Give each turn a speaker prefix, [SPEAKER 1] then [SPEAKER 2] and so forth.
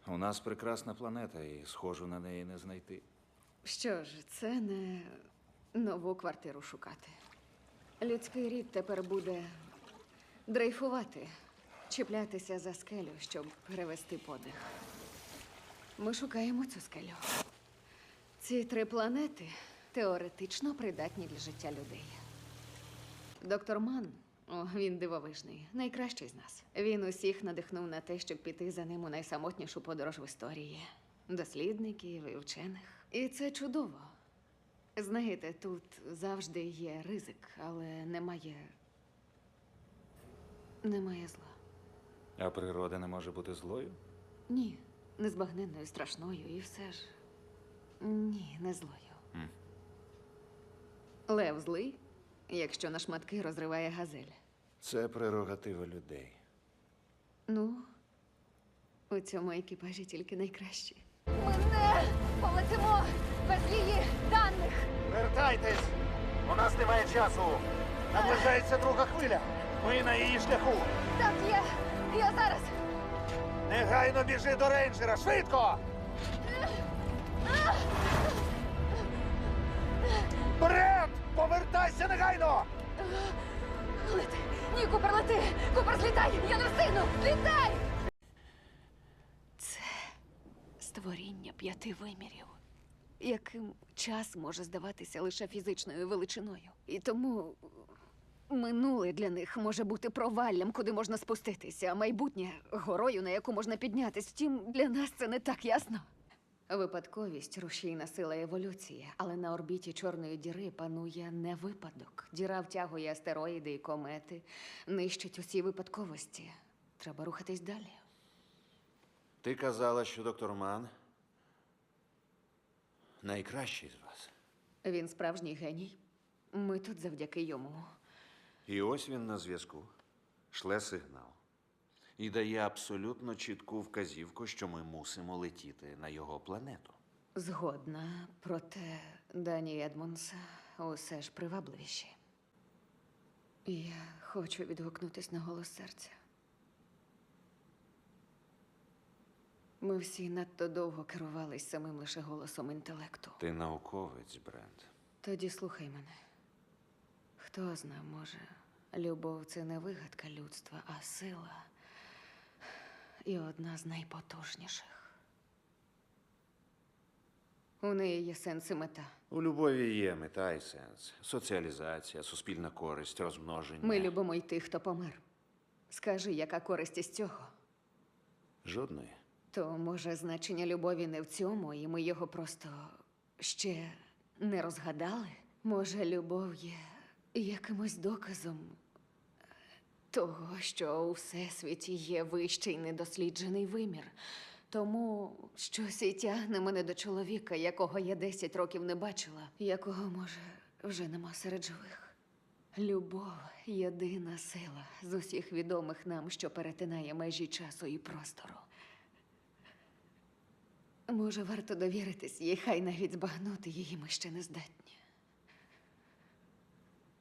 [SPEAKER 1] У нас прекрасна планета, і схожу на неї не знайти.
[SPEAKER 2] Що ж, це не нову квартиру шукати. Людський рід тепер буде дрейфувати, чіплятися за скелю, щоб перевести подих. Ми шукаємо цю скелю. Ці 3 планети теоретично придатні для життя людей. Доктор Ман, він дивовижний, найкращий з нас. Він усіх надихнув на те, щоб піти за ним у найсамотнішу подорож в історії. Дослідників і вчених. І це чудово. Знаєте, тут завжди є ризик, але немає зла.
[SPEAKER 1] А природа не може бути злою?
[SPEAKER 2] Ні, незбагненною, страшною і все ж. Ні, не злою. Лев злий, якщо на шматки розриває газель.
[SPEAKER 1] Це прерогатива людей.
[SPEAKER 2] Ну, у цьому екіпажі тільки найкращі.
[SPEAKER 3] Ми не полетимо без її даних.
[SPEAKER 4] Вертайтесь! У нас немає часу. Наближається друга хвиля. Ми на її шляху.
[SPEAKER 3] Так, я зараз.
[SPEAKER 4] Негайно біжи до рейнджера. Швидко! Брент! Повертайся негайно!
[SPEAKER 3] Лети. Ні, Купер, лети. Купер, злітай. Я не встигну. Літай!
[SPEAKER 2] Це створіння 5 вимірів, яким час може здаватися лише фізичною величиною. І тому минуле для них може бути проваллям, куди можна спуститися, а майбутнє горою, на яку можна піднятись. Втім, для нас це не так ясно. Випадковість – рушійна сила еволюції, але на орбіті Чорної діри панує не випадок. Діра втягує астероїди і комети, нищить усі випадковості. Треба рухатись далі.
[SPEAKER 1] Ти казала, що доктор Ман найкращий з вас.
[SPEAKER 2] Він справжній геній. Ми тут завдяки йому.
[SPEAKER 1] І ось він на зв'язку. Шле сигнал. І дає абсолютно чітку вказівку, що ми мусимо летіти на його планету.
[SPEAKER 2] Згодна, проте Дані Едмонса усе ж привабливіші. Я хочу відгукнутись на голос серця. Ми всі надто довго керувались самим лише голосом інтелекту.
[SPEAKER 1] Ти науковець, Брент.
[SPEAKER 2] Тоді слухай мене. Хто зна, може, любов – це не вигадка людства, а сила. І одна з найпотужніших. У неї є сенс і мета.
[SPEAKER 1] У любові є мета і сенс. Соціалізація, суспільна користь, розмноження.
[SPEAKER 2] Ми любимо й тих, хто помер. Скажи, яка користь із цього?
[SPEAKER 1] Жодної.
[SPEAKER 2] То, може, значення любові не в цьому, і ми його просто ще не розгадали? Може, любов є якимось доказом того, що у всесвіті є вищий недосліджений вимір. Тому щось і тягне мене до чоловіка, якого я 10 років не бачила, якого, може, вже нема серед живих. Любов – єдина сила з усіх відомих нам, що перетинає межі часу і простору. Може, варто довіритись їй, хай навіть збагнути її ми ще не здатні.